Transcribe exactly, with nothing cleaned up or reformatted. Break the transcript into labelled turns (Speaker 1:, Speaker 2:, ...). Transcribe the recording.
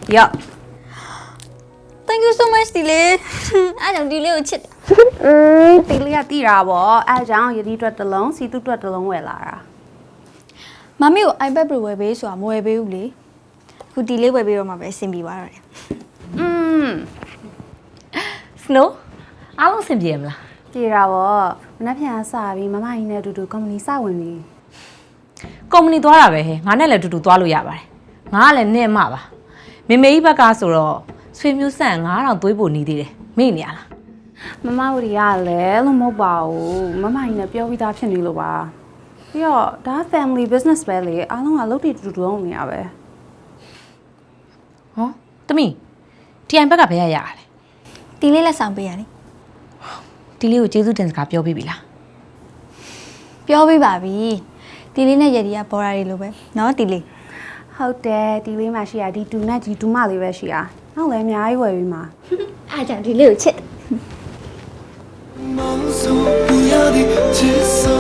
Speaker 1: ရော့
Speaker 2: Thank you so much ဒီလေးအားကြောင့်ဒီလေးကိုချစ်တယ်
Speaker 1: อืมတီလေးကတီးတာပေါ့အဲကြောင့်ယတိအတွက်တစ်လုံးစီတုအတွက်တစ်လုံးဝယ်လာတာ
Speaker 2: မမီကို iPad Pro ဝယ်ပေးဆိုတာမဝယ်ပေးဘူးလေအခုဒီလေးဝယ်ပေးတော့မှပဲအဆင်ပြေသွားတော့တယ်
Speaker 1: อืม
Speaker 3: Snow အားလုံးအဆင်ပြေမလား
Speaker 1: ပြေတာပေါ့မနှက်ပြန်စပြီးမမကြီးနဲ့အတူတူကုမ္ပဏီစဝင်ပြီ
Speaker 3: ကုမ္ပဏီသွားတာပဲဟဲ့ငါနဲ့လည်းအတူတူသွားလို့ရပါတယ်ငါကလည်းနဲ့မှပါမေမေကြီးဘက်ကဆိုတော့ဆွေမျိုးဆန့်ငါးတောင်သွေးဖို့နေသေးတယ်မေ့နေရလား
Speaker 1: မမတို့တွေကလည်းလို့မဟုတ်ပါဘူးမမကြီးနဲ့ပြောပြီးသားဖြစ်နေလို့ပါပြီးတော့ဒါ family business ပဲလေအားလုံးကလုပ်တည်တူတူလုပ်နေရပဲ
Speaker 3: ဟောတမီဒီအိမ်ဘက်ကဘယ်ရရလဲ
Speaker 2: ဒီလေးလက်ဆောင်ပေးရလေ
Speaker 3: ဒီလေးကိုကျေးဇူးတင်စကားပြောပြီးပြီလား
Speaker 2: ပြောပေးပါပြီဒီလေးနဲ့ရည်ဒီကဘော်ရာတွေလိုပဲနော်ဒီလေး
Speaker 1: ဟုတ်တယ်ဒီလေးမှရှိရဒီတူနဲ့ဒီတူမလေးပဲရှိရနောက်လည်းအများကြီးဝယ်ပြီးမှာ
Speaker 2: အားကြောင့်ဒီလေးကိုချစ်တယ်
Speaker 4: 梦诉不要的，只说。